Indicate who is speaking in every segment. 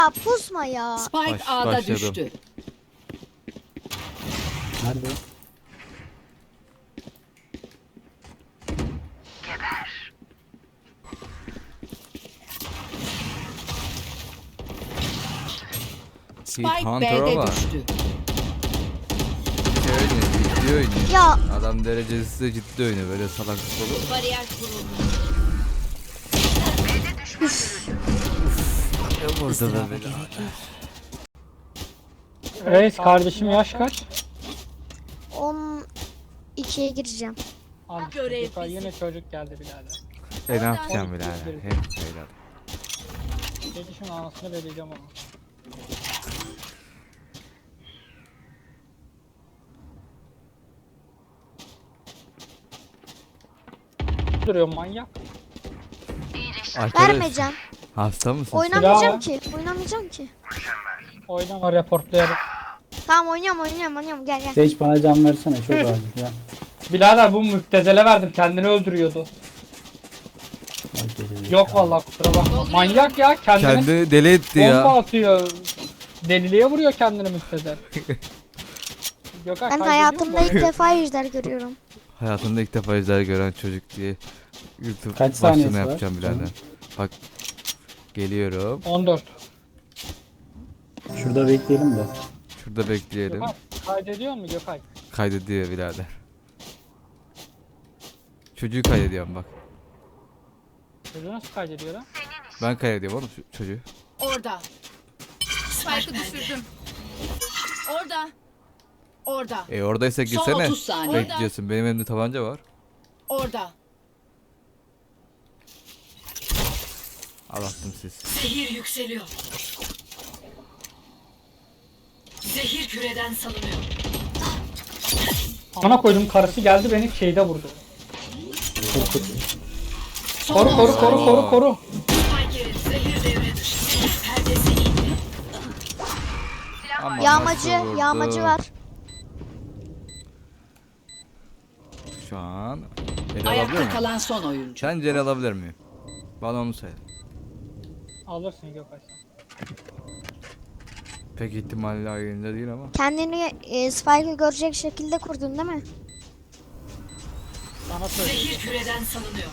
Speaker 1: Ya pusma ya.
Speaker 2: Spike A'da
Speaker 3: başladım.
Speaker 2: düştü.
Speaker 4: Nerede?
Speaker 2: Spike
Speaker 3: Hunter'a
Speaker 2: B'de
Speaker 3: bak.
Speaker 2: düştü.
Speaker 3: Şey oynuyor, ciddi oynuyor.
Speaker 1: Ya
Speaker 3: Adam derecesi de ciddi oynuyor, böyle salaklık olur.
Speaker 2: Bariyer kuruldu.
Speaker 3: Ne burada da böyle.
Speaker 4: Reis kardeşim yaş kaç?
Speaker 1: 12'ye gireceğim.
Speaker 4: Al
Speaker 2: Görev
Speaker 4: işte,
Speaker 2: bizim.
Speaker 4: yine çocuk geldi birader.
Speaker 3: Ne yapacağım birader? Hep beyler.
Speaker 4: Dedi şunun anasını vereceğim ama. Duruyor manyak.
Speaker 3: Arkadaş,
Speaker 1: Vermeyeceğim.
Speaker 3: hasta mısın?
Speaker 1: Oynamayacağım ki. Oynamayacağım ki.
Speaker 4: Oynama reportlayarak.
Speaker 1: Tamam oynuyorum. Gel gel.
Speaker 5: Seç bana can versene çok acil ya.
Speaker 4: Birader bu müptezele verdim kendini öldürüyordu.
Speaker 5: Bak, geliyor.
Speaker 4: Yok vallahi kusura bakma. Manyak ya kendini
Speaker 3: Kendi deli etti
Speaker 4: bomba
Speaker 3: ya.
Speaker 4: atıyor. Deliliğe vuruyor kendini müptezel. Gökhan
Speaker 1: Ben
Speaker 4: kaydediyor
Speaker 1: hayatımda
Speaker 4: mu?
Speaker 1: ilk defa ejder görüyorum.
Speaker 3: Hayatında ilk defa ejder gören çocuk diye YouTube
Speaker 5: Kaç saniyesi
Speaker 3: başlığını
Speaker 5: var?
Speaker 3: yapacağım birader. Bak, geliyorum.
Speaker 4: 14.
Speaker 5: Şurada bekleyelim de.
Speaker 3: Şurada bekleyelim.
Speaker 4: Gökhan kaydediyor mu Gökhan?
Speaker 3: Kaydediyor birader. Çocuğu kaydediyorum bak.
Speaker 4: Çocuğu nasıl kaydediyor lan?
Speaker 3: Ben kaydediyorum oğlum çocuğu.
Speaker 2: Orada. Spike'ı düşürdüm. Orada. Orada.
Speaker 3: Oradaysa
Speaker 2: Son
Speaker 3: girsene.
Speaker 2: 30 saniye.
Speaker 3: Bekliyorsun. Benim elimde tabanca var.
Speaker 2: Orada.
Speaker 3: Al attım siz.
Speaker 6: Zehir yükseliyor. Zehir küreden salınıyor.
Speaker 4: Ana koydum karısı geldi beni şeyde vurdu. Koru.
Speaker 6: Spike zehir devre dışı. Perdesi indi.
Speaker 3: Ama nasıl vurdu?
Speaker 1: Yağmacı var.
Speaker 3: Şu an el alabilir
Speaker 2: Ayakta
Speaker 3: miyim?
Speaker 2: kalan son oyuncu.
Speaker 3: Sence el alabilir miyim? Bana onu söyle.
Speaker 4: Alırsın Gökhan sen.
Speaker 3: Pek ihtimalle ayında değil ama.
Speaker 1: Kendini Spike'ı görecek şekilde kurdun değil mi?
Speaker 4: Sana söyle.
Speaker 6: Zehir küreden salınıyor.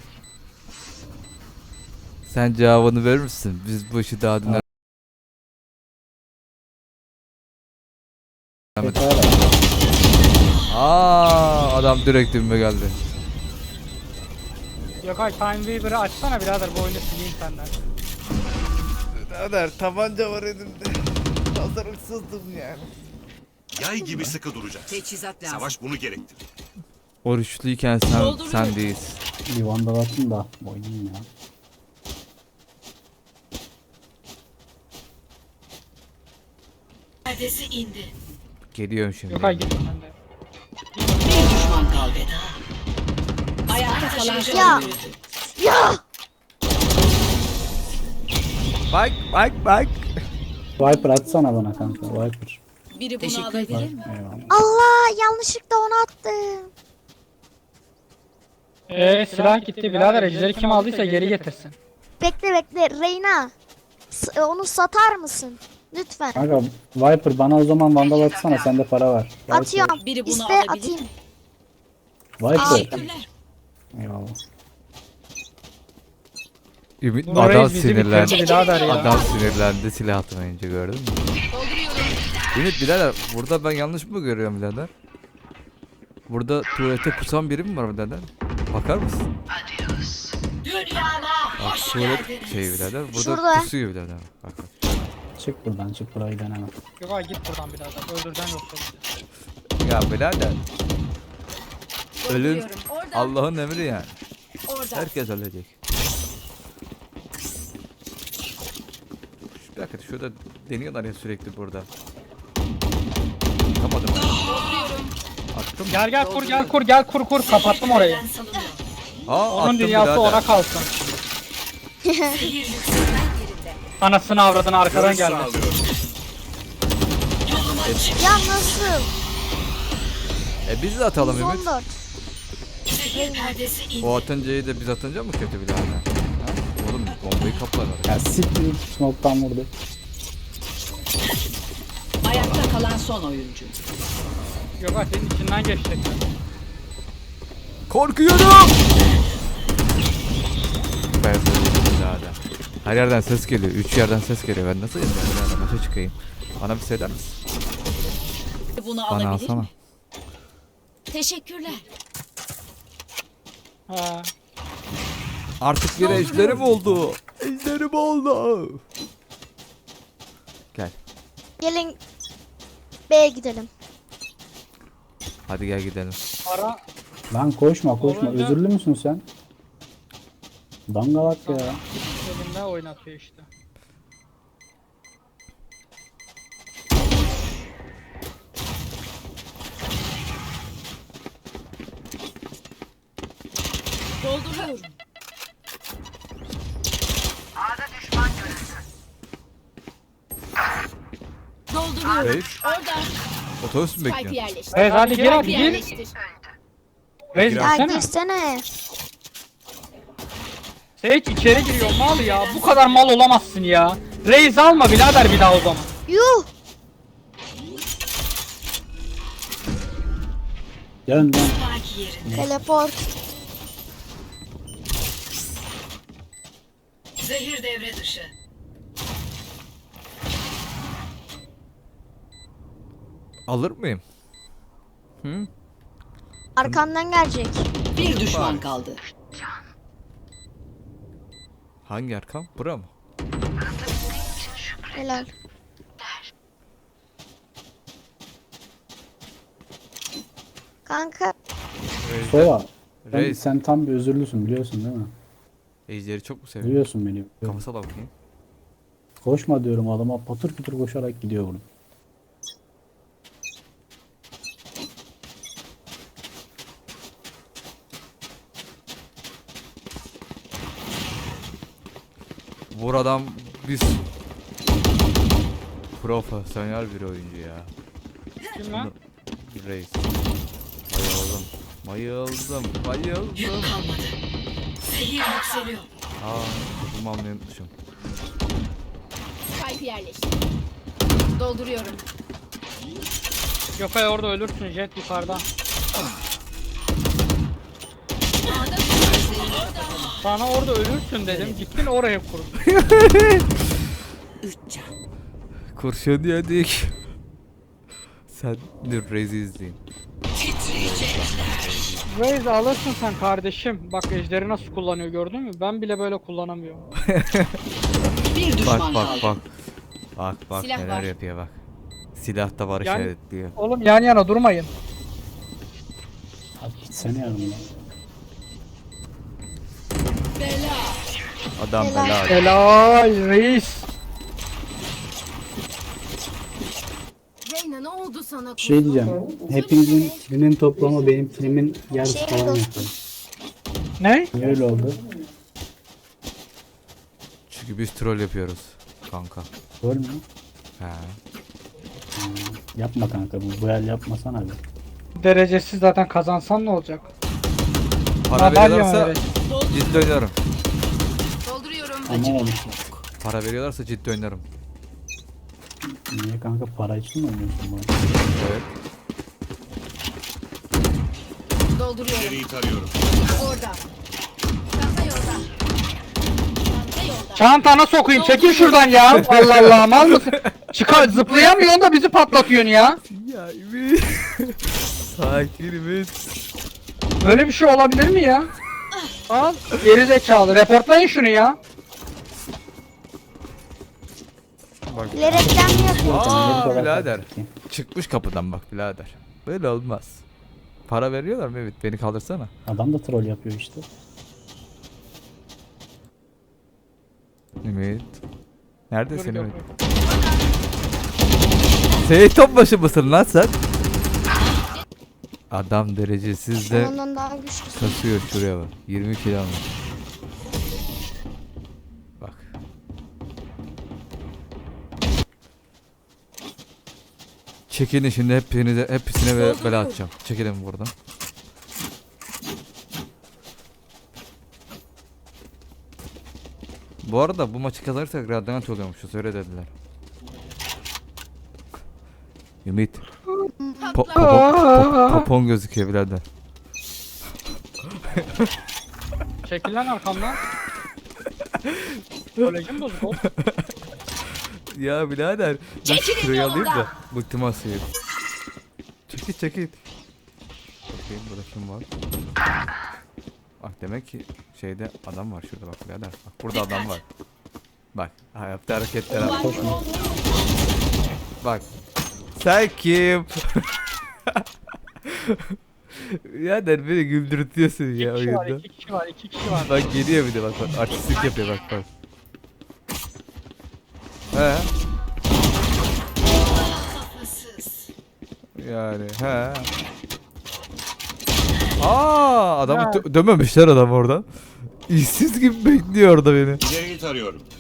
Speaker 3: Sen cevabını verir misin? Biz bu işi daha dinler.
Speaker 5: Tekrar al.
Speaker 3: Adam direkt dibime geldi.
Speaker 4: Gökhan Time Weaver'ı açsana birader bu oyunu sileyim senden.
Speaker 3: Birader tabanca var elimde. Hazırlıksızdım yani.
Speaker 7: Yay gibi sıkı duracağız.
Speaker 2: Teçhizat lazım.
Speaker 7: Savaş bunu gerektirir.
Speaker 3: Oruçluyken sen değilsin.
Speaker 5: Bir vandal atın da oynayayım ya.
Speaker 6: Perdesi indi.
Speaker 3: Geliyorum şimdi.
Speaker 4: Gökhan git sen de.
Speaker 2: Bir düşman kaldı. Ayakta kalan son
Speaker 1: Ya.
Speaker 2: oyuncu.
Speaker 1: Ya!
Speaker 3: Bak.
Speaker 5: Viper atsana bana kanka Viper.
Speaker 2: Biri bunu alabilir mi?
Speaker 5: Eyvallah.
Speaker 1: Allah yanlışlıkla onu attım.
Speaker 4: Silah gitti birader ejderi kim aldıysa geri getirsin.
Speaker 1: Bekle Reyna. Onu satar mısın? Lütfen.
Speaker 5: Kanka Viper bana o zaman vandal atsana sende para var. Viper.
Speaker 1: Atıyorum.
Speaker 2: Biri bunu
Speaker 1: İste
Speaker 2: alabilir
Speaker 1: atayım.
Speaker 2: mi?
Speaker 5: Viper.
Speaker 2: Teşekkürler.
Speaker 5: Eyvallah.
Speaker 3: Ümit
Speaker 4: Bunu
Speaker 3: adam
Speaker 4: reis bizi
Speaker 3: sinirlendi.
Speaker 4: bitirdi birader ya.
Speaker 3: Adam sinirlendi silah atmayınca gördün mü? Ümit birader burada ben yanlış mı görüyorum birader? Burada tuvalete kusan biri mi var birader? Bakar mısın?
Speaker 6: Dünyama
Speaker 3: Bak
Speaker 6: hoş
Speaker 3: tuvalet
Speaker 6: geldiniz.
Speaker 3: şey birader. Burada
Speaker 1: Şurada.
Speaker 3: kusuyor birader. Bak.
Speaker 5: Çık buradan çık burayı deneme.
Speaker 4: Gökhan git buradan birader öldüreceğim yoksa bizi.
Speaker 3: Ya birader. Ölüm
Speaker 2: Dolduruyorum. Orada.
Speaker 3: Allah'ın emri yani.
Speaker 2: Orada.
Speaker 3: Herkes ölecek. Bir dakika şurada deniyorlar ya sürekli burada. Kapatın. Attım.
Speaker 4: Gel kur kapattım orayı.
Speaker 6: Küreden salınıyor.
Speaker 3: Aa,
Speaker 4: Onun
Speaker 3: attım
Speaker 4: dünyası
Speaker 3: birader.
Speaker 4: ona kalsın.
Speaker 6: Zehir yükseliyor.
Speaker 4: Anasını avradını arkadan
Speaker 7: Görüş
Speaker 4: geldi.
Speaker 7: sağlıyorum.
Speaker 1: Ya nasıl?
Speaker 3: Biz de atalım Ümit.
Speaker 1: 114.
Speaker 6: Zehir perdesi indi.
Speaker 3: O atıncayı da biz atınca mı kötü birader? Ha? Oğlum bombayı kaplar.
Speaker 5: Ya siktir smoke'tan vurdu.
Speaker 2: kalan son oyuncu.
Speaker 4: Gökhan senin içinden geçecek.
Speaker 3: Korkuyorum. Ben birader. Her yerden ses geliyor. 3 yerden ses geliyor. Ben nasıl birader başa çıkayım? Bana bir söyler misin?
Speaker 2: Bunu
Speaker 3: Bana
Speaker 2: alabilir
Speaker 3: alsana.
Speaker 2: mi? Teşekkürler.
Speaker 4: Ha.
Speaker 3: Artık yine ejderim oldu. Ejderim oldu. Gel.
Speaker 1: Gelin B'ye gidelim.
Speaker 3: Hadi gel gidelim.
Speaker 4: Para
Speaker 5: Lan koşma koşma.
Speaker 4: Olunca-
Speaker 5: Özürlü müsün sen? Dangalak ya.
Speaker 4: elinde oynatıyor işte.
Speaker 2: Dolduruyorum. Dolduruyorum.
Speaker 3: Reis.
Speaker 2: Orada.
Speaker 3: Otobüs mü
Speaker 2: Spike
Speaker 3: bekliyorsun?
Speaker 2: yerleştir.
Speaker 4: Evet hadi gir hadi
Speaker 2: Spike
Speaker 4: gir.
Speaker 2: yerleştir.
Speaker 4: Reis
Speaker 1: Ya
Speaker 4: girsene.
Speaker 1: girsene.
Speaker 4: Seyit içeri giriyor mal ya. Bu kadar mal olamazsın ya. Reis alma birader bir daha o zaman.
Speaker 1: Yuh.
Speaker 5: Dön dön.
Speaker 6: Spike yerinde.
Speaker 1: Teleport.
Speaker 6: Zehir devre dışı.
Speaker 3: Alır mıyım? Hı?
Speaker 1: Arkamdan gelecek.
Speaker 2: Bir düşman kaldı.
Speaker 3: Hangi arkam? Bura mı?
Speaker 1: Helal. Kanka
Speaker 5: Sova.
Speaker 3: Reis.
Speaker 5: Sen tam bir özürlüsün biliyorsun değil mi?
Speaker 3: Ejderi çok mu seviyor?
Speaker 5: Biliyorsun beni.
Speaker 3: Kafasına bakayım.
Speaker 5: Koşma diyorum adama patır kütür koşarak gidiyor bunu.
Speaker 3: Buradan biz profesyonel bir oyuncu ya.
Speaker 4: Kim lan?
Speaker 3: Reis. Bayıldım. Bayıldım. Bayıldım.
Speaker 6: Yük kalmadı. Zehir yükseliyor.
Speaker 3: Topumu almayı unutmuşum.
Speaker 2: Spike yerleştir. Dolduruyorum.
Speaker 4: Gökay orada ölürsün jet yukarıda. Sana orada ölürsün dedim. Gittin oraya kurdun.
Speaker 2: 3 can.
Speaker 3: Kurşun yedik. Sen dur Reis'i izleyin.
Speaker 4: Reis alırsın sen kardeşim. Bak ejderi nasıl kullanıyor gördün mü? Ben bile böyle kullanamıyorum.
Speaker 2: Bir düşman
Speaker 3: Bak bak
Speaker 2: kaldı.
Speaker 3: bak. Bak bak
Speaker 2: Silah
Speaker 3: neler
Speaker 2: var.
Speaker 3: yapıyor bak. Silah da barış
Speaker 4: Yani-
Speaker 3: işaretliyor.
Speaker 4: Oğlum yan yana durmayın.
Speaker 5: Abi gitsene yanımdan.
Speaker 3: Adam
Speaker 1: Helal.
Speaker 3: bela.
Speaker 4: Helal reis.
Speaker 2: Reyna ne oldu sana?
Speaker 5: Bir şey diyeceğim. Hepinizin kilinin toplamı benim kilimin yarısı
Speaker 1: Şey
Speaker 5: falan
Speaker 1: oldu.
Speaker 5: yapıyor.
Speaker 4: Ne?
Speaker 5: Niye öyle oldu?
Speaker 3: Çünkü biz troll yapıyoruz kanka.
Speaker 5: Doğru mu?
Speaker 3: He.
Speaker 5: Yapma kanka bu el yapmasana bir.
Speaker 4: Derecesiz zaten kazansan ne olacak?
Speaker 3: Para
Speaker 4: Madalya
Speaker 3: veriyorlarsa
Speaker 4: mı
Speaker 3: ciddi oynarım.
Speaker 2: Dolduruyorum.
Speaker 5: Ama olmuş.
Speaker 3: Para veriyorlarsa ciddi oynarım.
Speaker 5: Niye kanka para için mi oynuyorsun bunu?
Speaker 3: Evet.
Speaker 2: Dolduruyorum.
Speaker 7: İleriyi tarıyorum.
Speaker 2: Orada. Çanta yolda. Çanta yolda.
Speaker 4: Çantana sokayım çekil şuradan ya. Allah Allah mal mısın? Çıkar zıplayamıyorsun da bizi patlatıyorsun ya.
Speaker 3: Ya Ümit. Sakin Ümit.
Speaker 4: Böyle bir şey olabilir mi ya? Al geri zekalı reportlayın şunu ya.
Speaker 1: Bilerekten mi yapıyor?
Speaker 3: Aa
Speaker 5: Nereye kadar
Speaker 3: birader.
Speaker 5: kalktı ki?
Speaker 3: Çıkmış kapıdan bak birader. Böyle olmaz. Para veriyorlar mı? Evet beni kaldırsana.
Speaker 5: Adam da troll yapıyor işte.
Speaker 3: Ümit. Neredesin
Speaker 4: Dur,
Speaker 3: Ümit?
Speaker 4: dur.
Speaker 3: Seyit Topbaşı mısın lan sen? Adam derecesiz de
Speaker 1: Ondan daha güçlüsün.
Speaker 3: kasıyor şuraya bak. 20 kilo almış. Bak. Çekilin şimdi hepsine bela atacağım. Çekilin buradan. Bu arada bu maçı kazanırsak Radyant oluyormuşuz öyle dediler. Ümit.
Speaker 2: Patla.
Speaker 3: Popon gözüküyor birader.
Speaker 4: Çekil lan arkamdan. Kolejim bozuk oğlum.
Speaker 3: Ya birader. Dur
Speaker 6: Çekilin
Speaker 3: şurayı alayım da.
Speaker 6: yolumdan.
Speaker 3: Ultimasıyı. Çekil. Bakayım burada kim var? Bak demek ki şeyde adam var şurada bak birader. Bak burada adam var. Bak yaptığı hareketler bak. Bak. Sen kim? Ya der beni güldürtüyorsun ya
Speaker 4: İki kişi var,
Speaker 3: oyunda.
Speaker 4: iki kişi var.
Speaker 3: Bak geliyor bir de bak artistlik yapıyor bak. He. Yani he. Adamı dömemişler adam orada. İşsiz gibi bekliyor orada beni.
Speaker 7: İleriyi tarıyorum.